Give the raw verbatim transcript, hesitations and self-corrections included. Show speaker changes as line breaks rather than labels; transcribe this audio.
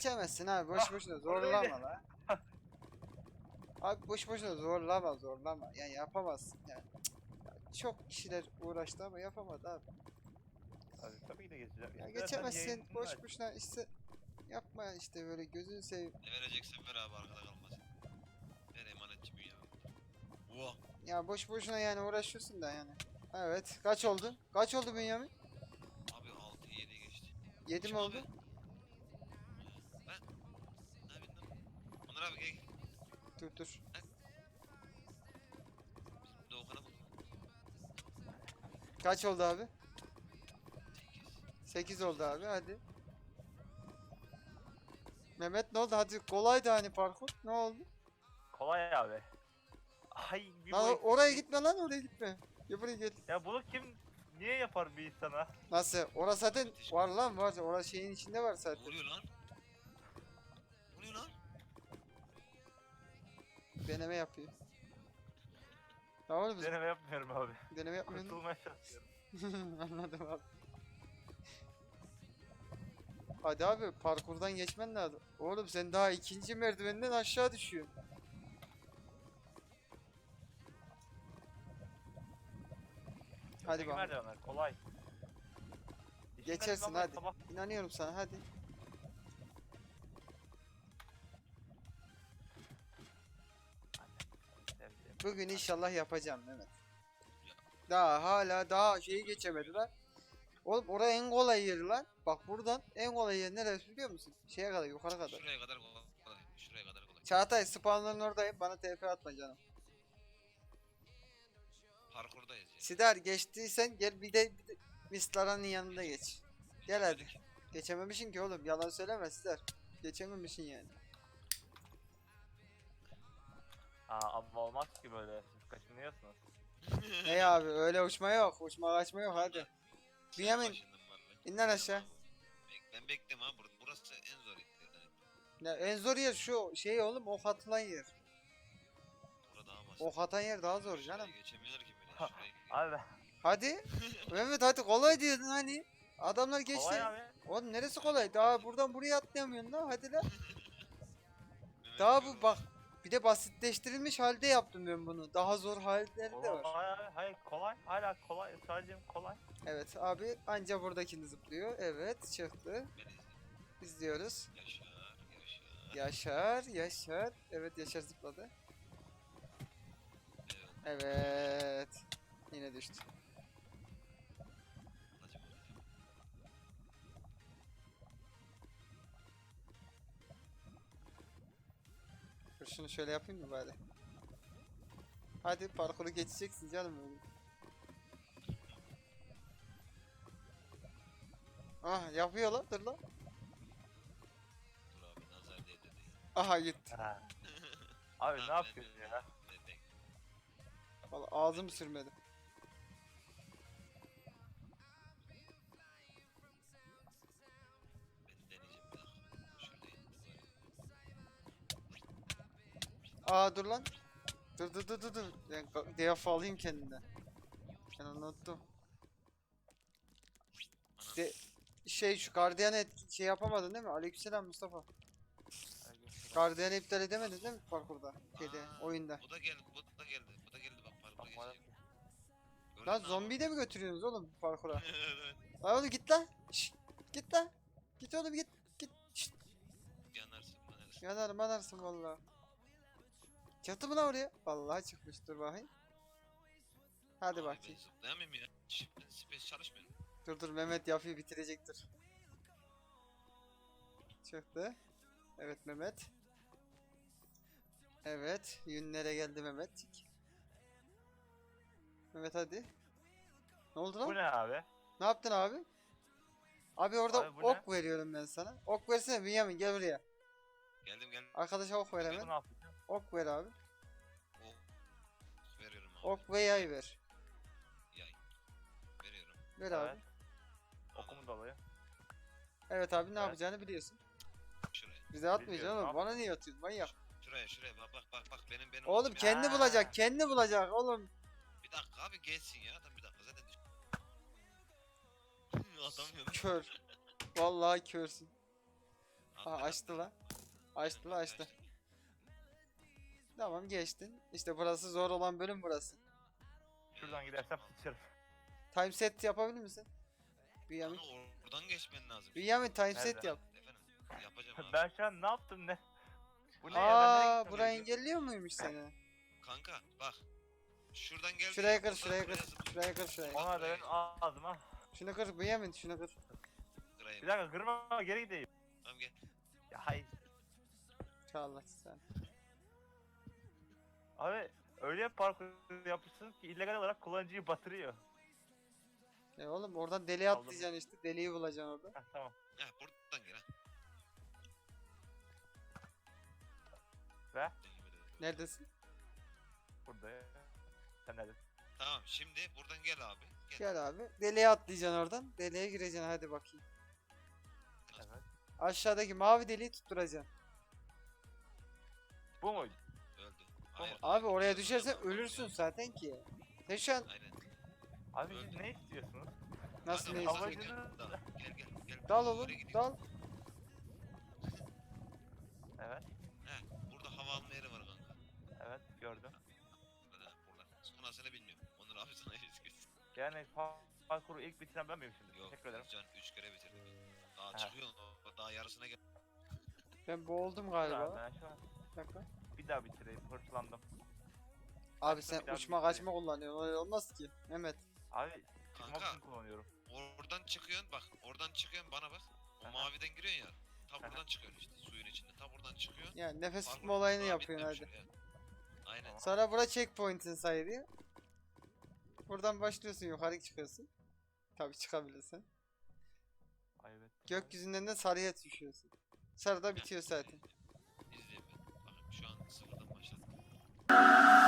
geçemezsin abi. Boş
Ah,
boşuna
oradaydı.
zorlama la. Abi boş boşuna zorlama zorlama. Yani yapamazsın yani. Cık, ya çok kişiler uğraştı ama yapamadı abi.
Abi tabii ki de geçeceğim.
Ya
İstersen
geçemezsin.
yayınını
Boş
aç.
boşuna işte yapma işte böyle gözünü seveyim.
Ne vereceksen ver abi arkada kalmasın. Ver emanetçi büyüğe. Oha.
Ya boş boşuna yani uğraşıyorsun da yani. Evet. Kaç oldu? Kaç oldu Bünyamin?
Abi altı yedi geçti.
yedi mi
Kim
oldu?
abi? Ben. Ne yapayım lan? Onur abi gel.
Dur dur.
Bizim Doğukan'a buldum.
Kaç oldu abi?
sekiz.
sekiz oldu abi hadi. Mehmet ne oldu? Hadi kolaydı hani parkur. Ne oldu?
Kolay abi. Ay bir
Lan
boy-
o- oraya gitme lan oraya gitme. Ya buraya gel.
Ya bunu kim niye yapar bir insana?
Nasıl? Orası zaten var lan var. Orası şeyin içinde var
Ne
zaten.
oluyor lan? Ne oluyor lan?
Deneme yapıyor. Tamam mı?
Deneme yapmıyorum abi.
Deneme yapmıyorsun.
Kurtulmaya çalışıyorum.
Anladım abi. Hadi abi parkurdan geçmen lazım. Oğlum sen daha ikinci merdivenden aşağı düşüyorsun. Hadi
Öteki
bakalım.
merdivenler kolay. İşin
Geçersin
merdivenler
hadi.
sabah-
İnanıyorum sana hadi.
Sevdiğim.
Bugün inşallah yapacağım Mehmet. Daha hala daha şeyi geçemedi lan. Oğlum oraya en kolay yeri lan. Bak buradan en kolay yer neresi biliyor musun? Şeye kadar yukarı kadar.
Şuraya kadar kolay. Şuraya kadar kolay.
Çağatay spawnların oradayım. Bana T P atma canım.
Parkurdayız ya.
Sidar geçtiysen gel bir de, bir de Mislaran'ın yanında geç. Gel hadi. Geçememişsin ki oğlum. Yalan söyleme Sidar. Geçememişsin yani.
Aa ama olmaz ki böyle. Siz kaçınıyorsunuz.
Hey abi öyle uçma yok. Uçma kaçma yok hadi.
Senin
Bünyamin,
başından var lan.
in lan aşağı.
Bek- Ben bekliyorum abi. Bur- Burası en zor yerlerden.
Ya en zor yer şu şey oğlum ok atılan yer.
Burada daha basit.
Ok atan yer daha zor canım.
Şurayı geçemiyorlar ki bile.
Ha,
Şurayı
Abi
Hadi. Mehmet hadi kolay diyordun hani. Adamlar geçti.
kolay abi.
Oğlum neresi kolay? Daha buradan buraya atlayamıyorsun lan hadi lan.
Mehmet
Daha
diyor,
bu bak. Bir de basitleştirilmiş halde yaptım ben bunu. Daha zor halleri de var.
Kolay abi. Hayır kolay. Hala kolay. Sadece kolay.
Evet abi anca buradakini zıplıyor. Evet çıktı.
beni izle.
İzliyoruz.
Yaşar, yaşar.
Yaşar, Yaşar. Evet Yaşar zıpladı.
Evet.
Evet. Yine düştü.
Anacım, anacım.
Dur şunu şöyle yapayım mı bari? Hadi parkuru geçeceksin canım öyle. Ah yapıyor lan dur lan.
Dur abi nazar değdi değil.
Aha gitti.
Ha. Abi ne yapıyorsun ya?
Ben de-
Vallahi ağzımı sürmedim.
ben deneyeceğim bir dakika. Şuradayım.
Aa dur lan. Dur dur dur dur dur. Ben ka- defa alayım kendinden. Ben unuttum.
Anam.
De şey şu gardiyanı etki şey yapamadın değil mi? Aleykümselam Mustafa. Gardiyanı iptal edemedin değil mi parkurda? Şeyde
Aa,
oyunda.
Bu da geldi, bu da geldi, bu da geldi bak parkura
Bakmadım.
geçecek. Gördün
Lan
mü
zombiyi de mi götürüyorsunuz oğlum parkura?
abi? Evet.
Lan oğlum git lan. Şşt, git lan. Git oğlum git. Git. Şşt.
Yanarsın, yanarsın.
Yanarım yanarsın valla. Çıktı mı lan oraya? Vallahi çıkmıştır bakayım. Hadi
Abi
bakayım.
Ben zıplayamıyorum ya. Şş, ben space çalışmıyorum.
Dur dur Mehmet yapıyı bitirecektir. Çıktı. Evet Mehmet. Evet. Yünlere geldi Mehmet. Mehmet hadi. Ne oldu lan?
Bu ne abi?
Ne yaptın abi? Abi orada
Abi bu ne?
ok veriyorum ben sana. Ok versene Bünyamin gel buraya.
Geldim geldim.
Arkadaşa ok ver
Bu
hemen.
ne yapacağım?
Ok ver abi.
Ok veriyorum abi.
Ok ve yay ver.
Yay. Veriyorum.
Ver
Evet.
abi.
Okumu da alayım.
Evet abi ne
Evet.
yapacağını biliyorsun.
Şuraya.
Bize atmayacaksın
Biliyorum,
oğlum.
ne
Bana niye atıyorsun manyak?
Şuraya şuraya bak bak bak bak benim benim.
Oğlum
benim-
kendi
Ha.
bulacak. Kendi bulacak oğlum.
Bir dakika abi geçsin ya. Adam bir dakika zaten düş. Atamıyorum.
Kör. Vallahi körsün. Aa, açtı lan. Açtı lan açtı. Tamam geçtin. İşte burası zor olan bölüm burası.
Şuradan gidersem sıçarım.
Time set yapabilir misin? Bünyamin.
Kanka oradan geçmen lazım.
Bünyamin time set
Nerede?
yap.
Efendim yapacağım abi.
Ben şu an ne yaptım ne? Bu ne ya? Ben nereye
Aa,
gitmem
burayı
gerekiyor?
engelliyor muymuş seni?
Kanka bak. Şuradan gel.
Şuraya kır, şuraya kır. Şuraya kır, şuraya.
Ona da benim ağzıma.
Şunu kır Bünyamin, şunu kır.
Bir dakika kırma geri gideyim.
Tamam gel.
Ya hayır.
Çağla sen.
Abi öyle parkur yapmışsınız ki illegal olarak kullanıcıyı batırıyor.
E oğlum oradan deliğe
Aldım.
atlayacaksın işte. Deliği bulacaksın orada.
Heh, tamam.
Heh buradan gel ha.
Ve
Neredesin?
burada ya. Sen neredesin?
Tamam şimdi buradan gel abi. Gel.
Gel abi. Deliğe atlayacaksın oradan. Deliğe gireceksin hadi bakayım.
Evet.
Aşağıdaki mavi deliği tutturacaksın.
Bu muydu?
Öldü. Hayır.
Abi oraya
Düşüyorsun
düşersen
oradan,
ölürsün
olmuyor.
zaten ki. Sen şu an
Aynen.
Abi
Öldü.
siz ne istiyorsunuz?
nasıl
Kanka,
ne
buradan
istiyorsun?
gel. Dal. Gel gel gel.
Dal
Böyle
oğlum
gidiyor.
dal.
Evet.
Heh burada hava alma yeri var kanka.
Evet gördüm.
Burada buralar. Sonrasını bilmiyorum. Onur abi sana yüz göz.
Yani pa- parkuru ilk bitiren ben miyim şimdi?
Yok.
Teşekkür ederim.
Can üç kere bitirdik. Daha
Ha.
çıkıyorsun. o- Daha yarısına gel.
Ben boğuldum
Dur
galiba.
abi, ben şu an
Bir dakika.
bir daha bitireyim. Hırçlandım.
Abi sen
bir daha
uçma
bir
kaçma kullanıyorsun. Öyle olmaz ki. Mehmet.
Abi çıkmak
Kanka.
için kullanıyorum.
Oradan çıkıyorsun bak. Oradan çıkıyorsun bana bak. O
Aha.
maviden giriyorsun ya. Ta
Aha.
buradan çıkıyorsun işte. Suyun içinde. Ta buradan çıkıyorsun.
Yani nefes
Parkur
tutma olayını
daha
yapıyorsun
bitmemiş
hadi.
oraya. Aynen.
Sonra bura checkpoint'in sayılıyor. Buradan başlıyorsun yukarı çıkıyorsun. Tabii çıkabilirsin.
Ay evet.
Gökyüzünden de sarıya düşüyorsun. Sarıda bitiyor zaten.
İzleyeyim ben. Bakın şu an sıfırdan başladım.